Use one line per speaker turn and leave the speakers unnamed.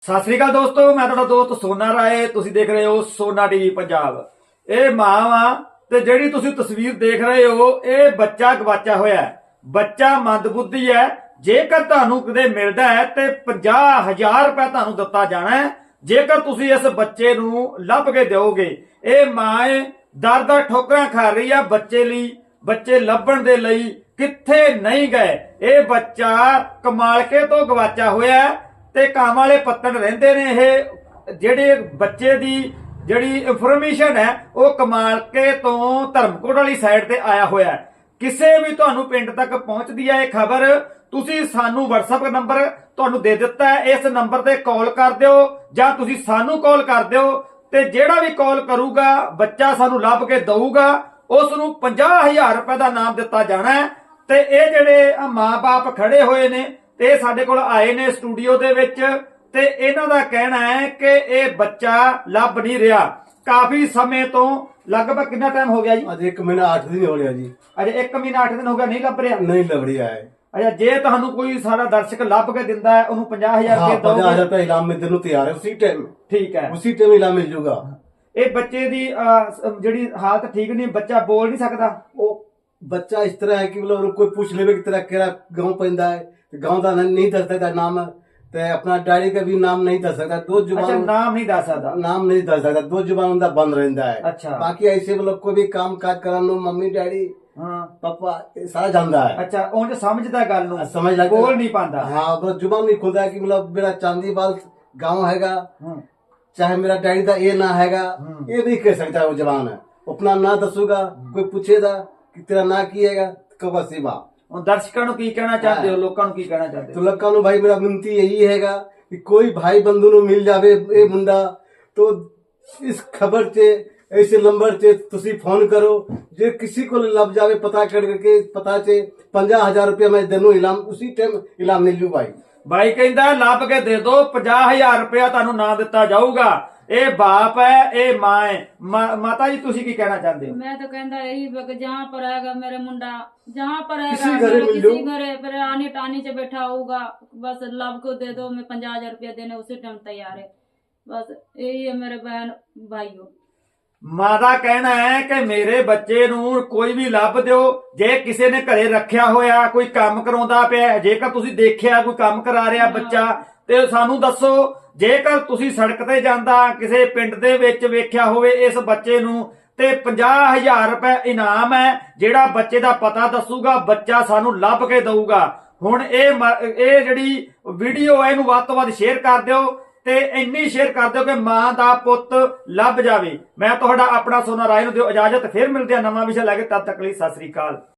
ਸਤਿ ਸ੍ਰੀ ਅਕਾਲ ਦੋਸਤੋ, ਮੈਂ ਤੁਹਾਡਾ ਦੋਸਤ ਸੋਨਾ ਰਾਏ। ਤੁਸੀਂ ਦੇਖ ਰਹੇ ਹੋ ਸੋਨਾ ਟੀਵੀ ਪੰਜਾਬ। ਇਹ ਮਾਂ ਵਾ ਤੇ ਜਿਹੜੀ ਤੁਸੀਂ ਤਸਵੀਰ ਦੇਖ ਰਹੇ ਹੋ, ਇਹ ਬੱਚਾ ਗਵਾਚਿਆ ਹੋਇਆ ਹੈ। ਬੱਚਾ ਮੰਦਬੁੱਧੀ ਹੈ। ਜੇਕਰ ਤੁਹਾਨੂੰ ਕਿਤੇ ਮਿਲਦਾ ਹੈ ਤੇ 50,000 ਰੁਪਏ ਤੁਹਾਨੂੰ ਦਿੱਤਾ ਜਾਣਾ ਹੈ ਜੇਕਰ ਤੁਸੀਂ ਇਸ ਬੱਚੇ ਨੂੰ ਲੱਭ ਕੇ ਦਿਓਗੇ। ਇਹ ਮਾਂ ਦਰ ਠੋਕਰਾਂ ਖਾ ਰਹੀ ਆ ਬੱਚੇ ਲਈ, ਬੱਚੇ ਲੱਭਣ ਦੇ ਲਈ ਕਿੱਥੇ ਨਹੀਂ ਗਏ। ਇਹ ਬੱਚਾ ਕਮਾਲਕੇ ਤੋਂ ਗਵਾਚਿਆ ਹੋਇਆ ਹੈ ਤੇ ਕਾਂ ਵਾਲੇ ਪੱਤਣ ਰਹਿੰਦੇ ਨੇ। ਇਹ ਜਿਹੜੇ ਬੱਚੇ ਦੀ ਜਿਹੜੀ ਇਨਫੋਰਮੇਸ਼ਨ ਹੈ ਉਹ ਕਮਾਲਕੇ ਤੋਂ ਧਰਮਕੋਟ ਵਾਲੀ ਸਾਈਡ ਤੇ ਆਇਆ ਹੋਇਆ ਹੈ। ਕਿਸੇ ਵੀ ਤੁਹਾਨੂੰ ਪਿੰਡ ਤੱਕ ਪਹੁੰਚਦੀ ਹੈ ਇਹ ਖਬਰ, ਤੁਸੀਂ ਸਾਨੂੰ WhatsApp ਨੰਬਰ ਤੁਹਾਨੂੰ ਦੇ ਦਿੱਤਾ ਹੈ, ਇਸ ਨੰਬਰ ਤੇ ਕਾਲ ਕਰ ਦਿਓ ਜਾਂ ਤੁਸੀਂ ਸਾਨੂੰ ਕਾਲ ਕਰ ਦਿਓ ਤੇ ਜਿਹੜਾ ਵੀ ਕਾਲ ਕਰੂਗਾ ਬੱਚਾ ਸਾਨੂੰ ਲੱਭ ਕੇ ਦਊਗਾ, ਉਸ ਨੂੰ 50,000 ਰੁਪਏ ਦਾ ਇਨਾਮ ਦਿੱਤਾ ਜਾਣਾ ਹੈ। ਤੇ ਇਹ ਜਿਹੜੇ ਮਾਂ-ਬਾਪ ਖੜੇ ਹੋਏ ਨੇ ਤੇ ਸਾਡੇ ਕੋਲ ਆਏ ਨੇ ਸਟੂਡੀਓ ਦੇ ਵਿੱਚ ਤੇ ਇਹਨਾਂ ਦਾ ਕਹਿਣਾ ਹੈ ਕਿ ਇਹ ਬੱਚਾ ਲੱਭ ਨਹੀਂ ਰਿਹਾ। ਕਾਫੀ ਸਮੇਂ ਤੋਂ ਲਗਭਗ ਕਿੰਨਾ ਟਾਈਮ ਹੋ ਗਿਆ ਜੀ?
ਅੱਜ 1 ਮਹੀਨਾ 8 ਦਿਨ ਹੋ ਗਿਆ ਜੀ।
ਅਜੇ 1 ਮਹੀਨਾ 8 ਦਿਨ ਹੋ ਗਿਆ, ਨਹੀਂ ਲੱਭ ਰਿਹਾ?
ਨਹੀਂ ਲੱਭ ਰਿਹਾ ਹੈ।
ਅੱਛਾ, ਜੇ ਤੁਹਾਨੂੰ ਕੋਈ ਸਾਡਾ ਦਰਸ਼ਕ ਲੱਭ ਕੇ ਦਿੰਦਾ ਹੈ ਉਹਨੂੰ 50,000 ਰੁਪਏ ਦੋਗੇ?
50,000 रुपए इनाम में देने तैयार है उसी टाइम।
ਠੀਕ ਹੈ,
उसी टाइम इनाम मिल जाएगा।
ਇਹ ਬੱਚੇ ਦੀ ਜਿਹੜੀ ਹਾਲਤ ਠੀਕ ਨਹੀਂ, ਬੱਚਾ ਬੋਲ ਨਹੀਂ ਸਕਦਾ।
वो बच्चा इस तरह है कि मतलब कोई पूछ लेवे की तरह केरा गांव पैदा है, गांव का नहीं दस सकता नाम, ते अपना डायरी का भी नाम नहीं दस सकता। दो
ਅੱਛਾ,
जुबान
ਨਾਮ ਨਹੀਂ ਦੱਸ ਸਕਦਾ।
नाम नहीं दस सकता, दो जुबान उनका बंद रहता है।
अच्छा।
बाकी ऐसे मतलब कोई भी काम काज करानो मम्मी डैडी
ਹਾਂ,
पापा ये सारा जानता है।
ਅੱਛਾ, ਉਂਝ ਸਮਝਦਾ ਗੱਲ ਨੂੰ,
समझ लगता
ਬੋਲ ਨਹੀਂ ਪਾਉਂਦਾ।
हाँ, बस जुबान नहीं खुलता है कि मतलब मेरा चांदीवाल गांव हैगा,
ਹਾਂ,
चाहे मेरा डैडी का ये ना हैगा, ये नहीं कह सकता। वो जवान है अपना ना दसूगा, कोई पूछेगा कि तेरा ना किएगा कब सीमा।
ਹੁਣ ਦਰਸ਼ਕਾਂ ਨੂੰ ਕੀ ਕਹਿਣਾ ਚਾਹੁੰਦੇ ਹੋ, ਲੋਕਾਂ ਨੂੰ ਕੀ ਕਹਿਣਾ ਚਾਹੁੰਦੇ
तो
ਹੋ?
लोगों को भाई मेरा विनती यही हैगा कि कोई भाई बंधु नु मिल जावे ये मुंडा तो इस खबर से ऐसे नंबर से तुसी फोन करो। जे किसी को लग जावे पता करके पता से 50,000 रुपया मैं देनू इनाम, उसी टाइम इनाम मिल जू भाई।
ਬਾਈ ਕਹਿੰਦਾ ਲੱਭ ਕੇ ਦੇ ਦੋ, 50,000 ਰੁਪਇਆ ਤੁਹਾਨੂੰ ਨਾ ਦਿੱਤਾ ਜਾਊਗਾ। ਇਹ ਬਾਪ ਹੈ, ਇਹ ਮਾਂ ਹੈ। ਮਾਤਾ ਜੀ ਤੁਸੀਂ ਕੀ ਕਹਿਣਾ ਚਾਹੁੰਦੇ ਹੋ?
मैं तो कहता यही है कि जहाँ पर आएगा मेरा मुंडा, जहाँ पर आएगा
किसी घरे मिल
किसी
जाओ।
घरे पर आनी टानी से बैठा होगा, बस लाभ को दे दो, मैं 50,000 रुपया देने उसी टाइम तैयार है। बस यही है मेरे बहन भाइयों।
ਮਾਂ ਦਾ ਕਹਿਣਾ ਹੈ ਕਿ ਮੇਰੇ ਬੱਚੇ ਨੂੰ ਕੋਈ ਵੀ ਲੱਭ ਦਿਓ। ਜੇ ਕਿਸੇ ਨੇ ਘਰੇ ਰੱਖਿਆ ਹੋਇਆ, ਕੋਈ ਕੰਮ ਕਰਾਉਂਦਾ ਪਿਆ, ਜੇਕਰ ਤੁਸੀਂ ਦੇਖਿਆ ਕੋਈ ਕੰਮ ਕਰਾ ਰਿਹਾ ਬੱਚਾ ਤੇ ਸਾਨੂੰ ਦੱਸੋ। ਜੇਕਰ ਤੁਸੀਂ ਸੜਕ ਤੇ ਜਾਂਦਾ ਕਿਸੇ ਪਿੰਡ ਦੇ ਵਿੱਚ ਵੇਖਿਆ ਹੋਵੇ ਇਸ ਬੱਚੇ ਨੂੰ ਤੇ 50,000 ਰੁਪਏ ਇਨਾਮ ਹੈ। ਜਿਹੜਾ ਬੱਚੇ ਦਾ ਪਤਾ ਦੱਸੂਗਾ ਬੱਚਾ ਸਾਨੂੰ ਲੱਭ ਕੇ ਦਊਗਾ। ਹੁਣ ਇਹ ਜਿਹੜੀ ਵੀਡੀਓ ਹੈ ਇਹਨੂੰ ਵੱਧ ਤੋਂ ਵੱਧ ਸ਼ੇਅਰ ਕਰ ਦਿਓ ਤੇ ਇੰਨੀ ਸ਼ੇਅਰ ਕਰ ਦਿਓ ਕਿ ਮਾਂ ਦਾ ਪੁੱਤ ਲੱਭ ਜਾਵੇ। ਮੈਂ ਤੁਹਾਡਾ ਆਪਣਾ ਸੋਨਾ ਰਾਏ ਨੂੰ ਦਿਓ ਇਜਾਜ਼ਤ। ਫਿਰ ਮਿਲਦੇ ਆ ਨਵਾਂ ਵਿਸ਼ਾ ਲੈ ਕੇ, ਤਦ ਤੱਕ ਲਈ ਸਤਿ ਸ੍ਰੀ ਅਕਾਲ।